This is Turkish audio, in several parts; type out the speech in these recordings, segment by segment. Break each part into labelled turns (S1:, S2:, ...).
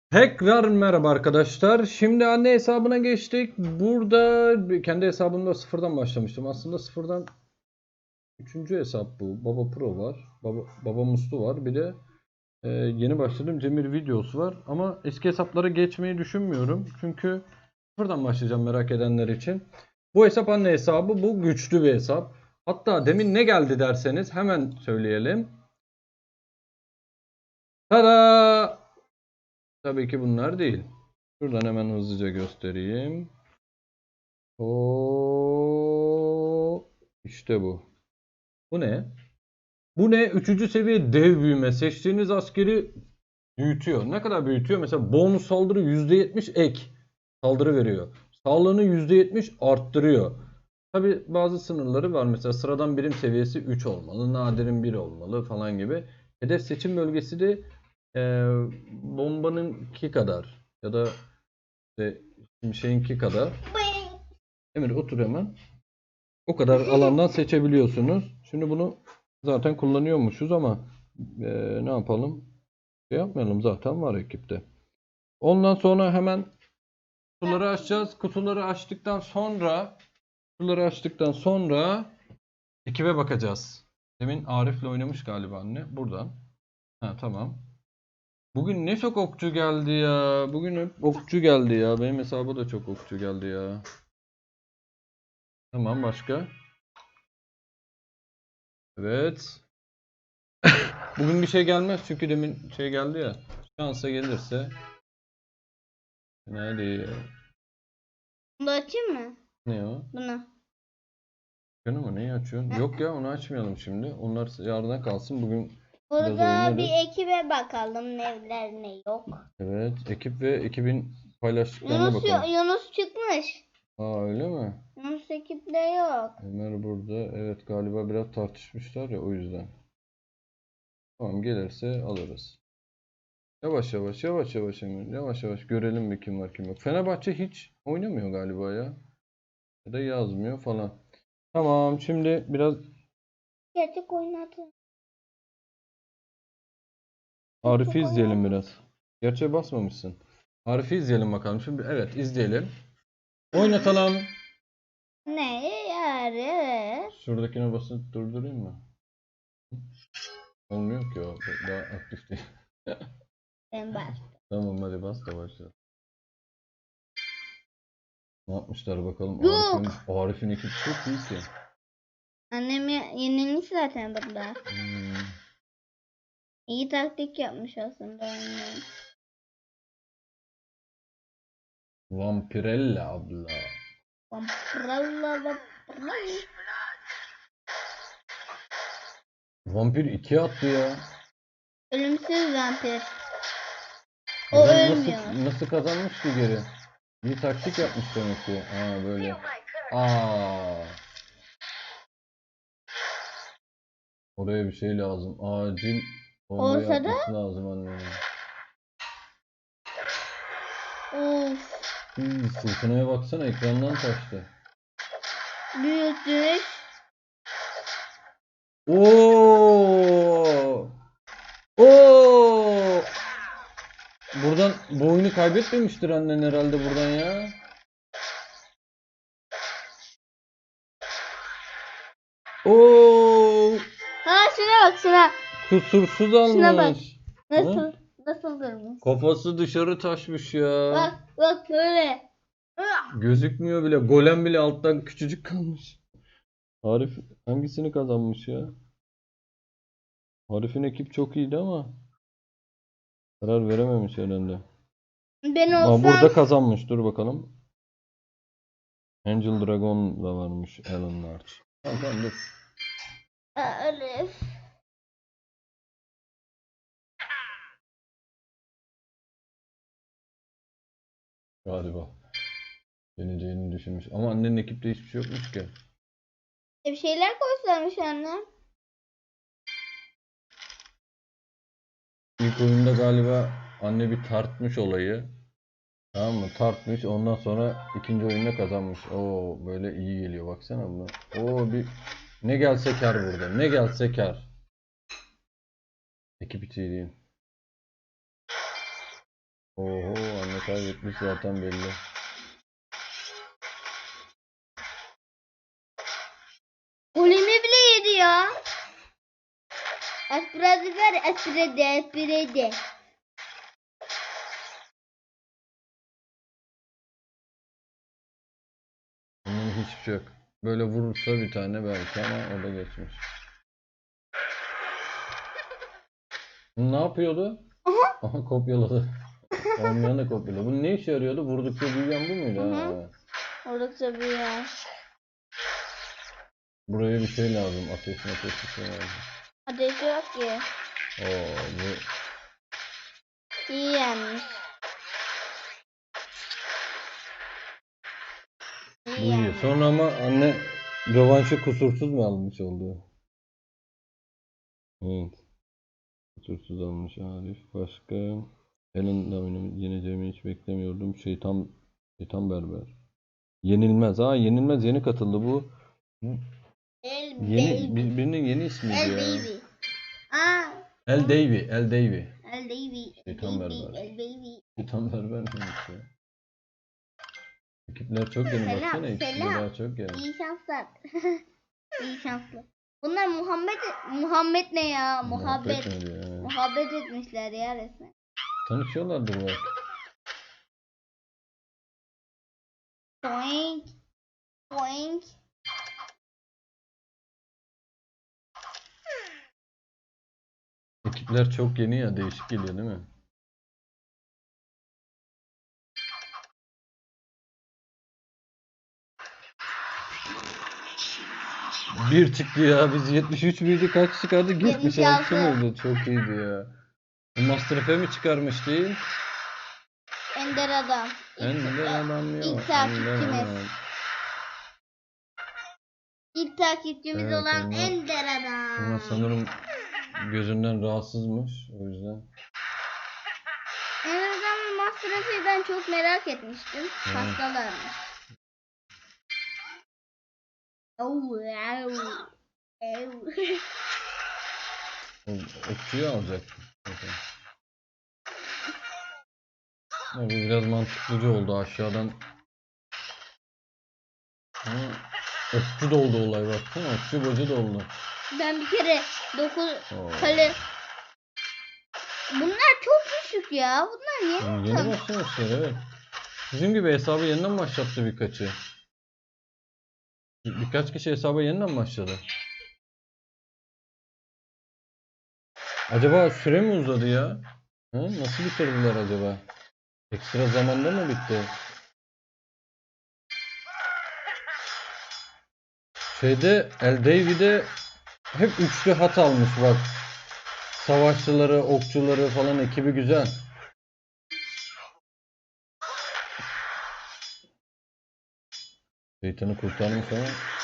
S1: Tekrar merhaba arkadaşlar. Şimdi anne hesabına geçtik. Burada kendi hesabımda sıfırdan başlamıştım. Aslında sıfırdan üçüncü hesap bu. Baba Pro var. Baba Muslu var. Bir de yeni başladım Cemil videosu var. Ama eski hesaplara geçmeyi düşünmüyorum. Çünkü sıfırdan başlayacağım merak edenler için. Bu hesap anne hesabı. Bu güçlü bir hesap. Hatta demin ne geldi derseniz hemen söyleyelim. Tada! Tabii ki bunlar değil. Şuradan hemen hızlıca göstereyim. İşte bu. Bu ne? Bu ne? Üçüncü seviye dev büyüme. Seçtiğiniz askeri büyütüyor. Ne kadar büyütüyor? Mesela bonus saldırı %70 ek saldırı veriyor. Sağlığını %70 arttırıyor. Tabi bazı sınırları var. Mesela sıradan birim seviyesi 3 olmalı. Nadirin 1 olmalı falan gibi. Hedef seçim bölgesi de bombanınki kadar ya da işte şeyinki kadar. Emir otur hemen. O kadar alandan seçebiliyorsunuz. Şimdi bunu zaten kullanıyormuşuz ama ne yapalım? Şey yapmayalım, zaten var ekipte. Ondan sonra hemen kutuları açacağız. Kutuları açtıktan sonra ekibe bakacağız. Demin Arif'le oynamış galiba anne. Buradan. Ha, tamam. Bugün ne çok okçu geldi ya. Bugün hep okçu geldi ya. Benim hesaba da çok okçu geldi ya. Tamam, başka? Evet. Bugün bir şey gelmez çünkü demin şey geldi ya. Şansa gelirse. Ne değil.
S2: Bunu açayım mı?
S1: Ne o?
S2: Bunu.
S1: Canım mı? Neyi açıyorsun? Yok ya, onu açmayalım şimdi. Onlar yarına kalsın. Bugün biraz
S2: Burada bir
S1: oynarız.
S2: ekibe bakalım neler ne yok.
S1: Evet. Ekip ve ekibin paylaştıklarına bakalım.
S2: Yunus çıkmış.
S1: Aa, öyle mi?
S2: Yunus ekipte yok.
S1: Ömer burada. Evet, galiba biraz tartışmışlar ya, o yüzden. Tamam, gelirse alırız. Yavaş yavaş yavaş yavaş Emir. Yavaş yavaş görelim bir kim var kim yok. Fenerbahçe hiç oynamıyor galiba ya. Ya da yazmıyor falan. Tamam, şimdi biraz
S2: Gerçek oynatın.
S1: Arif'i izleyelim biraz. Gerçeğe basmamışsın. Arif'i izleyelim bakalım. Şimdi evet, izleyelim. Oynatalım.
S2: Ne yarı?
S1: Şuradakine basıp durdurayım mı? Olmuyor ki o. Daha aktif değil.
S2: Ben bak.
S1: Tamam, hadi bas da başla. Ne yapmışlar bakalım.
S2: Yok.
S1: Arif'in ekibi çok iyi ki.
S2: Annem yenilmiş zaten burada.
S1: Hmm.
S2: İyi taktik yapmış aslında annem.
S1: Vampirella abla.
S2: Vampirella.
S1: Vampir 2 attı ya.
S2: Ölümsüz vampir. O
S1: Adam
S2: ölmüyor.
S1: nasıl kazanmış ki geri? Bir taktik yapmış demek ki. Aa, böyle. Aa. Oraya bir şey lazım. Acil bombayı
S2: Olsa da
S1: atması lazım annemin.
S2: of.
S1: Fırtınaya baksana, ekrandan taştı.
S2: Büyütmüş.
S1: Oo! Oo! Buradan bu oyunu kaybetmemiştir annen herhalde buradan ya. Oo!
S2: Ha şuna bak şuna.
S1: Kusursuz
S2: Şuna bak.
S1: almış.
S2: Nasıl?
S1: Hı?
S2: Nasıl durmuş?
S1: Kafası dışarı taşmış ya.
S2: Bak böyle.
S1: Gözükmüyor bile. Golem bile alttan küçücük kalmış. Arif hangisini kazanmış ya? Arif'in ekip çok iyiydi ama karar verememiş herhalde.
S2: Ben
S1: Ama
S2: olsam
S1: burada kazanmış. Dur bakalım. Angel Dragon da varmış. Alan Large. Tamam tamam, dur.
S2: Arif.
S1: Galiba. Yeneceğini düşünmüş. Ama annenin ekipte hiçbir şey yokmuş ki.
S2: Bir şeyler koysamış annem.
S1: İlk oyunda galiba anne bir tartmış olayı. Tamam mı? Tartmış. Ondan sonra ikinci oyunda kazanmış. Oo, böyle iyi geliyor. Baksana buna. Oo, bir ne gelse kar burada. Ne gelse kar. Ekip içi değil. Oho, anne kaybetmiş zaten belli.
S2: Golümü bile yedi ya. Espredi ver, espredi.
S1: Bunun hiçbir şey yok. Böyle vurursa bir tane belki ama o da geçmiş. Bu ne yapıyordu?
S2: Aha.
S1: Aha, kopyaladı. Olmayan da kopyaladı. Bu ne işe yarıyordu? Vurdukça büyüyen bu muydu?
S2: Hı
S1: Ha.
S2: hı. Oldukça büyüyor.
S1: Buraya bir şey lazım. Ateş bir şey lazım.
S2: Ateşi yok ki.
S1: Oo, bu
S2: İyi yenmiş.
S1: bu
S2: İyi
S1: iyi.
S2: yenmiş.
S1: Sonra ama anne rövanşı kusursuz mu almış oldu? Evet. Kusursuz almış Arif. Başka? Helen'den yeneceğimi hiç beklemiyordum. Şeytan berber. Yenilmez. Ha, yenilmez yeni katıldı bu.
S2: El
S1: Yeni
S2: baby.
S1: birinin yeni ismiydi
S2: El
S1: ya.
S2: baby. Aa.
S1: El Davy, El Davy.
S2: El baby. El
S1: Şeytan
S2: baby.
S1: berber.
S2: El baby.
S1: Şeytan berber miymiş ya? Ekipler çok yeni,
S2: Selam,
S1: baksana ikisi de
S2: selam.
S1: daha çok yeni.
S2: İyi şanslar. İyi şanslar. Bunlar Muhammed ne ya? Muhabbet.
S1: mi diyor? Ha.
S2: Muhabbet etmişler ya resmen.
S1: Tanışıyorlardır belki.
S2: Boing. Boing.
S1: Ekipler çok yeni ya, değişik geliyor değil mi? Bir çıktı ya, biz 73 miydi, kaç çıkardık? 76 mıydı? Çok iyiydi ya. Bu Master F'e mi çıkarmış değil?
S2: Ender adam.
S1: Ender adam yok.
S2: İlk takipçimiz.
S1: Ender adam.
S2: İlk takipçimiz
S1: Evet,
S2: olan
S1: onlar-
S2: Ender adam.
S1: Ama sanırım gözünden rahatsızmış, o yüzden.
S2: Ender adamın Master Chief'i ben çok merak etmiştim.
S1: Evet.
S2: Hastalarmış. Oh, wow.
S1: O okçuyu alacak. Zaten. Ya bu biraz mantıklıcı oldu aşağıdan. Ama okçu da oldu olay, baksana. Okçu bacı da oldu.
S2: Ben bir kere 9
S1: Oo.
S2: kale. Bunlar çok düşük ya. Bunlar niye
S1: Yani yeni
S2: tam?
S1: başlamışlar, evet. Bizim gibi hesabı yeniden başlattı birkaçı. Birkaç kişi hesaba yeniden başladı. Acaba süre mi uzadı ya? Ha? Nasıl bitirdiler acaba? Ekstra zamanda mı bitti? Şeyde, El Davy'de hep üçlü hat almış bak. Savaşçıları, okçuları falan ekibi güzel. Şeytanı kurtarmış ama.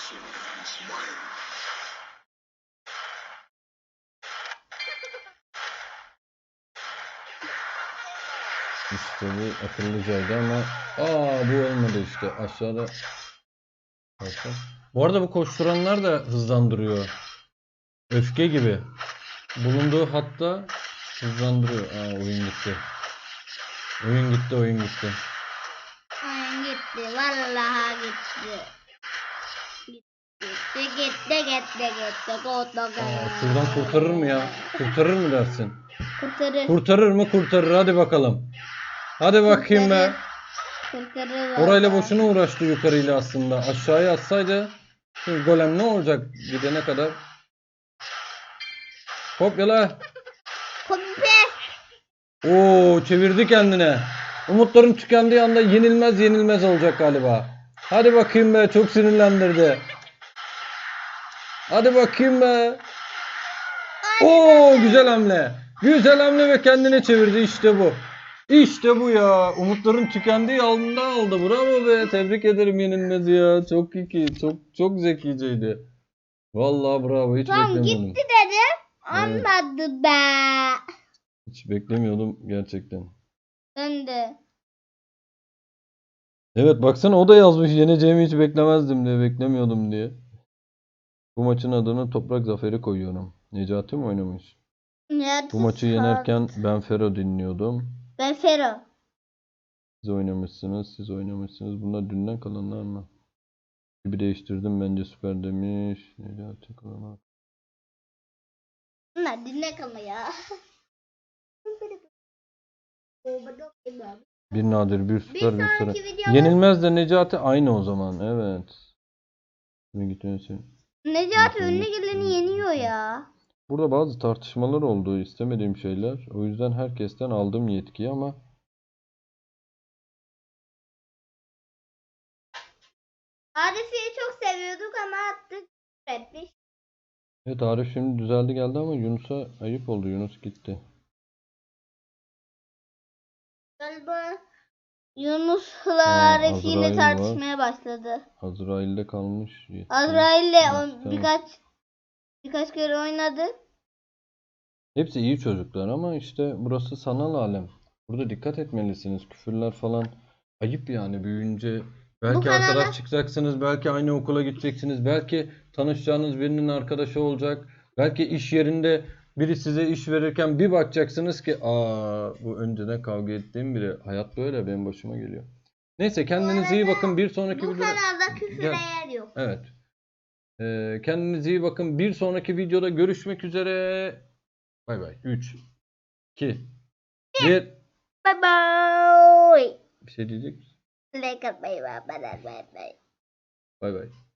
S1: İşte bu akıllıcaydı ama bu olmadı işte. Aşağıda. Bakın. Bu arada bu koşturanlar da hızlandırıyor. Öfke gibi. Bulunduğu hatta hızlandırıyor. Oyun gitti. Oyun gitti.
S2: Oyun gitti. Vallahi gitti. Gitti.
S1: Şuradan kurtarır mı ya? Kurtarır mı dersin?
S2: Kurtarır.
S1: Kurtarır mı? Kurtarır. Hadi bakalım. Hadi bakayım be.
S2: Kurtarır.
S1: Orayla
S2: vallahi.
S1: boşuna uğraştı yukarıyla aslında. Aşağıya atsaydı şimdi golem ne olacak gidene kadar? Kopyala.
S2: Kopya.
S1: Çevirdi kendine. Umutların tükendiği anda yenilmez olacak galiba. Hadi bakayım be, çok sinirlendirdi. Hadi bakayım be. Güzel hamle. Güzel hamle ve kendine çevirdi, işte bu. İşte bu ya. Umutların tükendiği anda aldı. Bravo be. Tebrik ederim yenilmez ya. Çok iyi. Çok zekiceydi. Vallahi bravo. Hiç
S2: Tamam
S1: beklemiyordum.
S2: gitti dedim.
S1: Evet.
S2: Anladı be.
S1: Hiç beklemiyordum gerçekten.
S2: Döndü.
S1: Evet, baksana o da yazmış yeneceğimi hiç beklemezdim diye, beklemiyordum diye. Bu maçın adını Toprak Zaferi koyuyorum. Necati mi oynamış? Bu maçı yenerken Ben Fero dinliyordum.
S2: Ben Fero.
S1: Siz oynamışsınız, siz oynamışsınız. Bunlar dünden kalanlar mı? Gibi değiştirdim bence süper demiş. Necati Kalan.
S2: Bunlar dinle kalma ya.
S1: Bir nadir, bir süper, bir sıra.
S2: sonraki videomuz
S1: Yenilmez de Necati aynı o zaman. Evet. Şimdi gitmesi.
S2: Necati önüne geleni yeniyor ya.
S1: Burada bazı tartışmalar oldu, istemediğim şeyler. O yüzden herkesten aldım yetkiyi ama
S2: Arif'i çok seviyorduk ama attık. Etmiş.
S1: evet, Arif şimdi düzeldi geldi ama Yunus'a ayıp oldu. Yunus gitti.
S2: Galiba Yunus'la
S1: Ha,
S2: Arif yine
S1: Azrail
S2: tartışmaya
S1: var.
S2: başladı.
S1: Azrail'de kalmış yetki.
S2: Azrail'le
S1: Neyse, tamam.
S2: birkaç kere oynadı.
S1: Hepsi iyi çocuklar ama işte burası sanal alem. Burada dikkat etmelisiniz. Küfürler falan ayıp yani büyüyünce. Belki
S2: kanala-
S1: arkadaş çıkacaksınız, belki aynı okula gideceksiniz, belki tanışacağınız birinin arkadaşı olacak. Belki iş yerinde biri size iş verirken bir bakacaksınız ki bu önceden kavga ettiğim biri. Hayat böyle benim başıma geliyor. Neyse kendinize iyi bakın. Bir sonraki
S2: Bu
S1: videoda...
S2: kanalda küfüre
S1: Gel.
S2: yer yok.
S1: Evet. Kendinize iyi bakın. Bir sonraki videoda görüşmek üzere. Bay bay. 3, 2, 1.
S2: Bye bye.
S1: Bir şey diyecek misin?
S2: Like atmayı ve abone olmayı unutmayın.
S1: Bay bay.